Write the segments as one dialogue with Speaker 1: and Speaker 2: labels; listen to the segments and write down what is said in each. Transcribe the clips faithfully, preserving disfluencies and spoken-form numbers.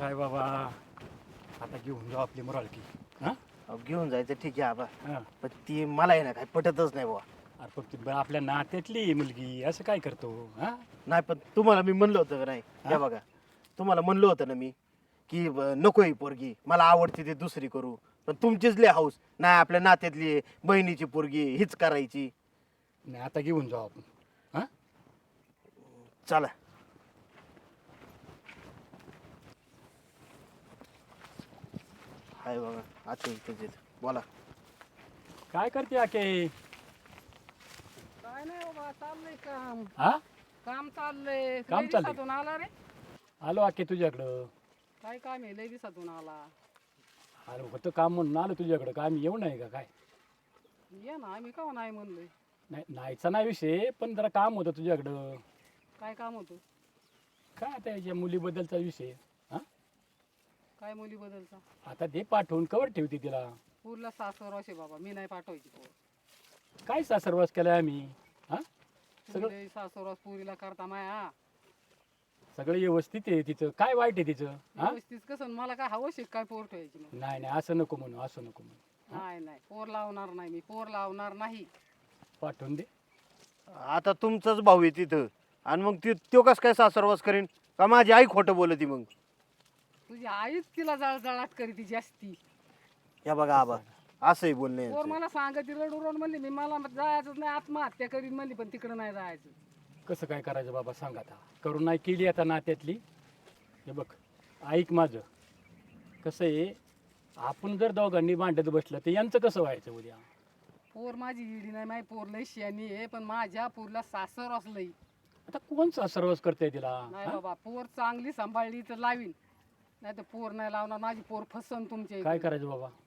Speaker 1: काय बाबा, आता घेऊन जाऊ आपली मोराळकी. हा
Speaker 2: अहो, घेऊन जायचं ठीक आहे आबा,
Speaker 1: हा.
Speaker 2: पण ती मला आहे ना काय पटतच नाही बुवा.
Speaker 1: अरे पण ती ब- आपल्या नात्यातली मुलगी असं काय करतो? हा
Speaker 2: नाही पण तुम्हाला मी म्हणलं होतं का नाही,
Speaker 1: हा?
Speaker 2: हे बघा तुम्हाला म्हणलं होतं ना मी की ब- नको ही पोरगी, मला आवडते ती दुसरी करू, पण तुमचीच लय हाऊस नाही आपल्या नात्यातली आहे, बहिणीची पोरगी हीच करायची.
Speaker 1: नाही आता घेऊन जाऊ आपण. हा
Speaker 2: चला. हाय बघा आता इथेच बोला.
Speaker 1: काय करते आके?
Speaker 3: काय नाही बाबा, चाललंय काम.
Speaker 1: हा
Speaker 3: काम चाललंय.
Speaker 1: काम
Speaker 3: लय
Speaker 1: चाललंय.
Speaker 3: दिवसातून आला रे.
Speaker 1: आलो आके तुझ्याकडं.
Speaker 3: काय काम आहे, लय दिवसातून आला.
Speaker 1: आलो होतं काम म्हणून आलो तुझ्याकडं. काय आम्ही येऊ नाही का काय?
Speaker 3: ये ना, आम्ही का नाही म्हणलोय.
Speaker 1: नाही नाहीचा नाही विषय, पण जरा काम होतं तुझ्याकडं.
Speaker 3: काय काम होतं?
Speaker 1: काय आता याच्या मुलीबद्दलचा विषय. हा
Speaker 3: काय मुली बदलचा?
Speaker 1: आता ते पाठवून कवर ठेवते तिला.
Speaker 3: पूरला सासर असे बाबा, मी नाही पाठवायची पोर.
Speaker 1: काय सासरवास केलाय आम्ही? हा सगळं
Speaker 3: तुम्ही सासरवास पुरीला करता माया.
Speaker 1: सगळं व्यवस्थित आहे तिचं. काय वाईट आहे तिचं? हा
Speaker 3: व्यवस्थित कसं, मला काय हवं शिक काय पोर ठेवायची मग?
Speaker 1: नाही नाही असं नको म्हणू, असं नको म्हणू.
Speaker 3: नाही नाही, पोर लावणार नाही मी, पोर लावणार नाही.
Speaker 1: पाठवून दे.
Speaker 2: आता तुमचाच भाऊ आहे तिथं, आणि मग ती तो कस काय सासरवास करीन का माझी आई खोटं बोलती मग?
Speaker 3: तुझी आईच तिला जळजळाट करीती जास्ती.
Speaker 2: या बघा आबा असंही बोलणे
Speaker 3: पोर मला सांगत रडू रड म्हणली, मी मला जायचंच नाही, आत्महत्या करीन म्हणली, पण तिकडं नाही जायचं.
Speaker 1: कसं काय करायचं बाबा सांग आता. करून नाही केली आता नात्यातली. हे बघ ऐक माझं, कसं आहे, आपण जर दोघांनी भांडत बसलं तर यांचं कसं व्हायचं उद्या?
Speaker 3: पोर माझी इडी नाही, माझी पोर लय शियानी आहे, पण माझ्या पोरला सासर असलंय.
Speaker 1: आता कोण सर्वच करते तिला?
Speaker 3: नाही
Speaker 1: हा?
Speaker 3: बाबा, पोर चांगली सांभाळली तर लावीन, नाही तर पोर नाही लावणार. माझी पोर फसन तुमच्या
Speaker 1: काय
Speaker 3: इकडे.
Speaker 1: करायचं बाबा?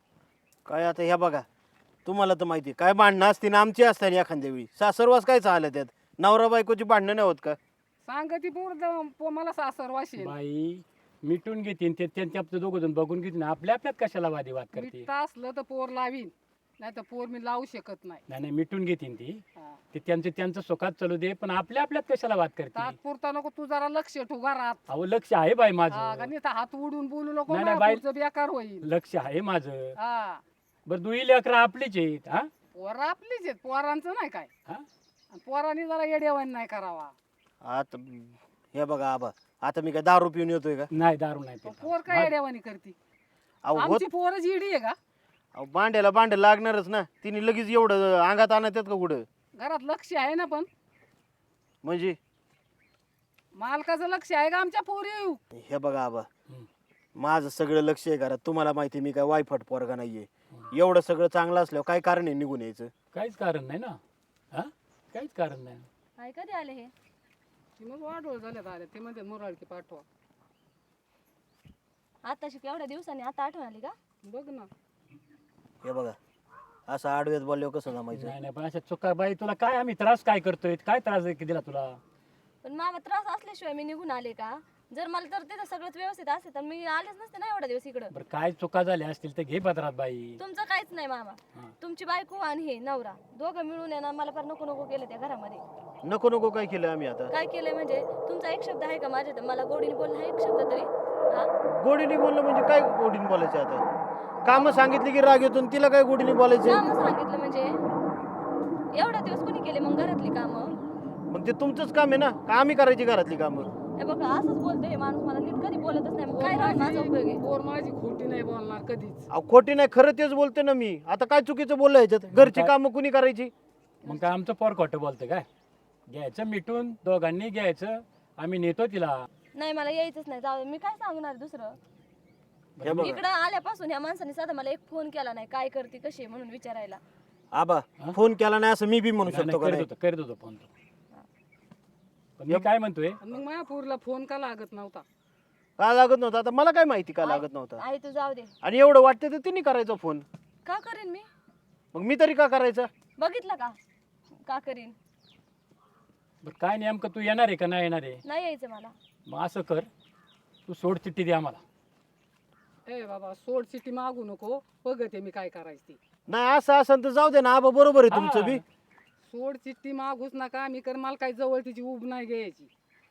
Speaker 2: काय आता ह्या बघा, तुम्हाला तर माहिती आहे, काय भांडणं असते ना आमची असतात एखाद्या वेळी, सासरवास काय चाललं त्यात, नवरा बायकोची भांडणं नाही होत का?
Speaker 3: सांग ती पोर द- पो- मला सासर वाशेल.
Speaker 1: बाई मिटून घेतील ते, त्यांचे आपलं दोघं जण बघून घेतील ना, आपल्या आपल्यात कशाला वादविवाद करते?
Speaker 3: मिठा असलं तर पोर लावीन, नाही तर पोर मी लावू शकत नाही.
Speaker 1: नाही नाही मिटून घेतील ती.
Speaker 3: हा.
Speaker 1: ते त्यांचं त्यांचं सुखात चालू दे, पण आपल्या आपल्यात कशाला वाद करते?
Speaker 3: तात्पुरता नको, तू जरा लक्ष ठेव घरात.
Speaker 1: अहो लक्ष आहे बाई
Speaker 3: हा,
Speaker 1: माझं.
Speaker 3: का नाही तर हात उडून बोलू नको,
Speaker 1: नाही, नाही,
Speaker 3: माझ्या
Speaker 1: बाई-
Speaker 3: पुढचं बेकार होईल.
Speaker 1: लक्ष आहे माझं.
Speaker 3: हा,
Speaker 1: बरं दुई लेकरं आपलीच आहेत. हा
Speaker 3: पोर आपलीच आहेत, पोरांचं नाही काय.
Speaker 1: हा
Speaker 3: आणि पोरांनी जरा येडेवान नाही करावा.
Speaker 2: आता हे बघा आबा, आता मी काय दारू पिऊन येतोय का?
Speaker 1: नाही दारू नाही
Speaker 3: तो
Speaker 1: पित.
Speaker 3: पोर काय येडेवानी करती?
Speaker 2: अहो होत,
Speaker 3: आमची पोरच इडी आहे का?
Speaker 2: अहो भांड्याला भांड लागणारच ना, तिने लगेच एवढं अंगात आणत का कुठं?
Speaker 3: घरात लक्ष आहे ना, पण
Speaker 2: म्हणजे
Speaker 3: मालकाचं लक्ष आहे का आमच्या पोरी?
Speaker 2: हे बघा आबा,
Speaker 1: हम्म.
Speaker 2: माझं सगळं लक्ष आहे घरात, तुम्हाला माहिती आहे, मी काय वायफट पोरगा नाहीये. एवढं सगळं चांगलं असल्यावर काय कारण आहे निघून यायचं?
Speaker 1: काहीच कारण नाही ना. हा काहीच कारण नाही.
Speaker 4: काय कधी आले हे?
Speaker 3: ती मग वाढवळ झाल्यात आल्या, ते म्हणते मुराळकी पाठवा.
Speaker 4: आताशी एवढ्या दिवसांनी आता आठवण आली का?
Speaker 3: बघ ना,
Speaker 2: हे बघा, असं आडव्यात बोलल्यावर कसं जमायचं?
Speaker 1: नाही नाही पण अशा चुका बाई, तुला काय आम्ही त्रास काय करतोय? काय त्रास दिला तुला?
Speaker 4: पण मामा त्रास असल्याशिवाय मी निघून आले का? जर मला तर तिथं सगळंच व्यवस्थित असे तर मी आलेच नसते ना एवढ्या दिवस इकडं.
Speaker 1: बरं काय चुका झाल्या असतील तर घे पत्रात बाई.
Speaker 4: तुमचं काहीच नाही मामा.
Speaker 1: हा.
Speaker 4: तुमची बायको आणि हे नवरा दोघं मिळून आहे ना, मला फार नको नको केलं त्या घरामध्ये.
Speaker 2: नको नको काय केलं आम्ही आता?
Speaker 4: काय केलंय म्हणजे? तुमचा एक शब्द आहे का माझ्या, मला गोडीने बोलला हा एक शब्द तरी? हा,
Speaker 2: गोडीने बोललं म्हणजे काय गोडीने बोलायचं आता? काम सांगितली की राग येतो, आणि तिला काय गोडीने बोलायचं?
Speaker 4: कामं सांगितलं म्हणजे एवढ्या दिवस कोणी केले मग घरातली कामं?
Speaker 2: मग ते तुमचंच काम आहे ना, का आम्ही करायची घरातली कामं?
Speaker 4: हे बघा असंच बोलतोय हे माणूस, मला नीट कधी बोलतच नाही. मग
Speaker 3: पोर
Speaker 4: काय राहून माझा उपयोग आहे?
Speaker 3: माझी पोर माझी खोटी नाही बोलणार कधीच.
Speaker 2: अहो खोटी नाही, खरं तेच बोलते ना मी. आता काय चुकीचं बोललं ह्याच्यात? घरची
Speaker 1: काय?
Speaker 2: कामं कुणी करायची?
Speaker 1: मग काय आमचं पोर खोटं बोलतं काय? घ्यायचं मिटून, दोघांनी घ्यायचं, आम्ही नेतो तिला.
Speaker 4: नाही मला यायचंच नाही, जाऊ दे. मी काय सांगणार दुसरं?
Speaker 2: हे बघा
Speaker 4: इकडं आल्यापासून या माणसाने साधा मला एक फोन केला नाही, काय करते कशी आहे म्हणून विचारायला.
Speaker 2: आबा,
Speaker 1: हा?
Speaker 2: फोन केला नाही असं मी बी म्हणू
Speaker 1: नाही,
Speaker 2: शकतो
Speaker 1: नाही,
Speaker 2: का?
Speaker 1: करत
Speaker 2: नाही?
Speaker 1: होतो करत होतो फोन तो. पण मी काय म्हणतोय,
Speaker 3: आणि मग माझ्या पोरीला फोन का लागत नव्हता?
Speaker 2: का लागत नव्हता? आता मला काय माहिती का लागत नव्हता?
Speaker 4: आई तू जाऊ दे.
Speaker 2: आणि एवढं वाटतं तर तिने करायचा फोन,
Speaker 4: का करीन मी?
Speaker 2: मग मी तरी का करायचा?
Speaker 4: बघितलं का का करीन?
Speaker 1: बरं काय नेमकं तू येणार आहे का नाही येणार आहे?
Speaker 4: नाही यायचं मला.
Speaker 1: मग असं कर, तू सोड चिठ्ठी दे आम्हाला.
Speaker 3: ए बाबा, सोड सिटी मागू नको, बघते मी काय करायची ती.
Speaker 2: नाही असं असं तर जाऊ दे ना आबा, बरोबर आहे तुमचं बी.
Speaker 1: हा.
Speaker 3: सोड चिठ्ठी मागूच नका, मी कर मला काही जवळ तिची उब नाही घ्यायची.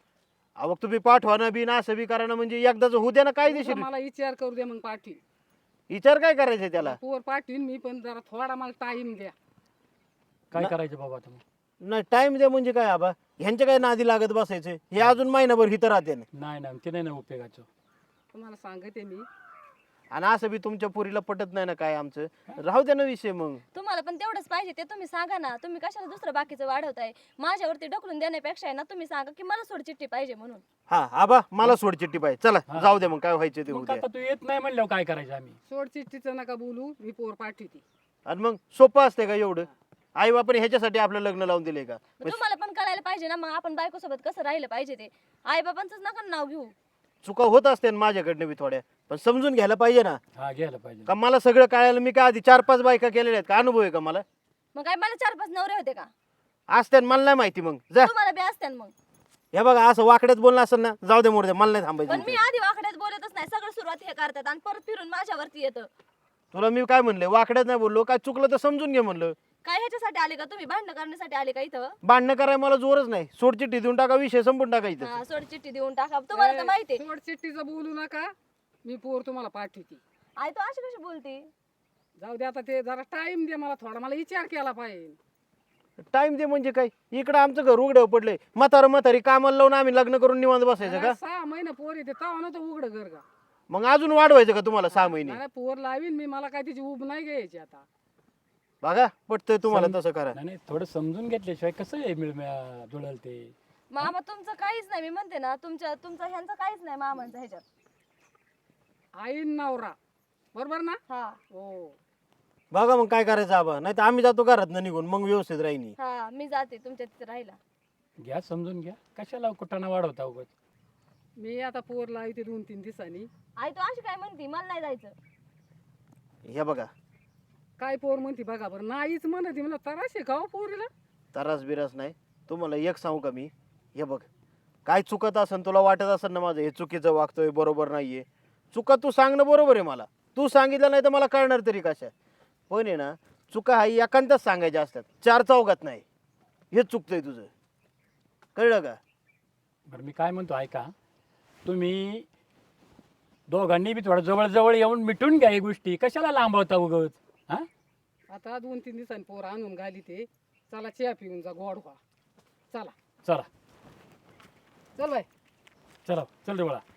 Speaker 2: अहो तुम्ही पाठवा ना बी ना असं बी करा ना, म्हणजे एकदाच होऊ द्या ना काय
Speaker 3: तुझा
Speaker 2: देशील.
Speaker 3: मला विचार करू दे मग पाठी
Speaker 2: विचार काय करायचंय त्याला.
Speaker 3: पोर पाठवीन मी, पण जरा थोडा मला टाइम द्या.
Speaker 1: काय
Speaker 2: ना-
Speaker 1: करायचं बाबा आता मग?
Speaker 2: नाही टाइम द्या म्हणजे काय आबा, ह्यांच्या काय नादी लागत बसायचे, हे अजून महिनाभर हिथं राहते ना.
Speaker 1: नाही नाही ते नाही ना उपयोगाचं.
Speaker 3: तुम्हाला सांगते मी,
Speaker 2: आणि असं बी तुमच्या पुरीला पटत नाही ना काय आमचं, राहू द्या ना विषय मग.
Speaker 4: तुम्हाला पण तेवढंच पाहिजे ते तुम्ही सांगा ना. तुम्ही कशाला दुसरं बाकीचं वाढवताय? माझ्यावरती ढकलून देण्यापेक्षा आहे ना, तुम्ही सांगा की मला सोड चिठ्ठी पाहिजे म्हणून.
Speaker 2: हा आबा मला सोड चिठ्ठी पाहिजे, चला
Speaker 1: हा.
Speaker 2: जाऊ दे मग काय व्हायचं ते
Speaker 1: मग
Speaker 2: उद्या.
Speaker 1: आता तू येत नाही म्हणल्यावर काय करायचं आम्ही?
Speaker 3: सोड चिठ्ठीचं नका बोलू, मी पोर पाठवते.
Speaker 2: आणि मग सोपं असते का एवढं? आई बापाने ह्याच्यासाठी आपलं लग्न लावून दिले का?
Speaker 4: मग तुम्हाला पण कळायला पाहिजे ना, मग आपण बायकोसोबत कसं राहिलं पाहिजे ते. आई बाबांचंच नका नाव घेऊ.
Speaker 2: चुका होत असते ना माझ्याकडनं बी थोड्या, पण समजून घ्यायला पाहिजे ना.
Speaker 1: हा घ्यायला पाहिजे.
Speaker 2: का मला सगळं कळायला, मी काय आधी चार पाच बायका केलेल्या आहेत का, अनुभव आहे का मला?
Speaker 4: मग काय मला चार पाच नवरे होते का?
Speaker 2: असते ना, मला नाही माहिती. मग जा.
Speaker 4: तुम्हाला बी असत्यान मग.
Speaker 2: हे बघा असं वाकड्यात बोलणं असेल ना, जाऊ दे मोरदे, मला नाही थांबायचं
Speaker 4: पण मी
Speaker 2: इथे.
Speaker 4: आधी वाकड्यात बोलतच नाही. सगळं सुरुवात हे करतात आणि परत फिरून माझ्यावरती येतं.
Speaker 2: तुला मी काय म्हणले, वाकड्यात नाही बोललो, काय चुकलं तर समजून घे म्हणलं.
Speaker 4: काय ह्याच्यासाठी आले का तुम्ही? भांडण करण्यासाठी आले का इथं?
Speaker 2: भांडणं करायला मला जोरच नाही, सोड चिठ्ठी देऊन टाका, विषय संपून टाकायचं.
Speaker 4: हा, सोड चिठ्ठी देऊन टाका. तुम्हाला तर माहिती आहे.
Speaker 3: सोड चिठ्ठीचं बोलू नका, मी पोर तुम्हाला पाठवते.
Speaker 4: आई तू अशी कशी बोलती?
Speaker 3: जाऊ दे आता, ते जरा टाइम दे मला थोडा, मला विचार केला पाहिजे.
Speaker 2: टाइम दे म्हणजे काय, इकडं आमचं घर उघड्यावर पडलंय, म्हातारं म्हातारी कामाला लावून आम्ही लग्न करून निवांत बसायचं का?
Speaker 3: अरे, सहा महिने पोर येते तेव्हा नव्हतं उघड घर का?
Speaker 2: मग अजून वाढवायचं का तुम्हाला सहा महिने?
Speaker 3: नाही पोर लावीन मी, मला काय तिची उब नाही घ्यायची आता.
Speaker 2: बघा पटतंय तुम्हाला
Speaker 1: सम-
Speaker 2: तसं करा.
Speaker 1: नाही नाही, थोडं समजून घेतल्याशिवाय कसं आहे मिळ जुळल ते.
Speaker 4: मामा तुमचं काहीच नाही. मी म्हणते ना, तुमच्या तुमचं ह्यांचं काहीच नाही मामांचं ह्याच्यात.
Speaker 3: आईन नवरा बरोबर ना?
Speaker 4: हा
Speaker 3: हो.
Speaker 2: बघा मग काय करायचं आबा, नाही तर आम्ही जातो घरात निघून, मग व्यवस्थित राहिनी.
Speaker 4: हा मी जाते तुमच्या तिथे राहिला.
Speaker 1: घ्या समजून घ्या, कशाला कुटाणा वाढवता उगाच.
Speaker 3: मी आता पोर लावते दोन तीन दिवसांनी.
Speaker 4: आई तू अशी काय म्हणती? मला नाही जायचं.
Speaker 2: हे बघा,
Speaker 3: काय पोर म्हणते बघा बरं, नाहीच म्हणते. मला तरास आहे का हो पोरीला?
Speaker 2: तरास बिरास नाही. तुम्हाला एक सांगू का मी, हे बघ, काय चुकत असेल, तुला वाटत असेल ना माझं हे चुकीचं वागतोय, बरोबर नाहीये, चुका तू सांगणं बरोबर आहे. मला तू सांगितलं नाही तर मला कळणार तरी कशा. पण आहे ना, चुका हा एकांतच सांगायच्या असतात, चार चौघात नाही. हे चुकतंय तुझं, कळलं का?
Speaker 1: बरं मी काय म्हणतो ऐका, तुम्ही दोघांनी बी थोडं जवळ जवळ येऊन मिटून घ्या ही गोष्टी, कशाला लांबवता उगच. हा
Speaker 3: आता दोन तीन दिवसांनी पोर आणून घाली ते. चला चहा पिऊन जा, गोड व्हा. चला
Speaker 1: चला
Speaker 3: चल बाय.
Speaker 1: चला चल रे बाळा.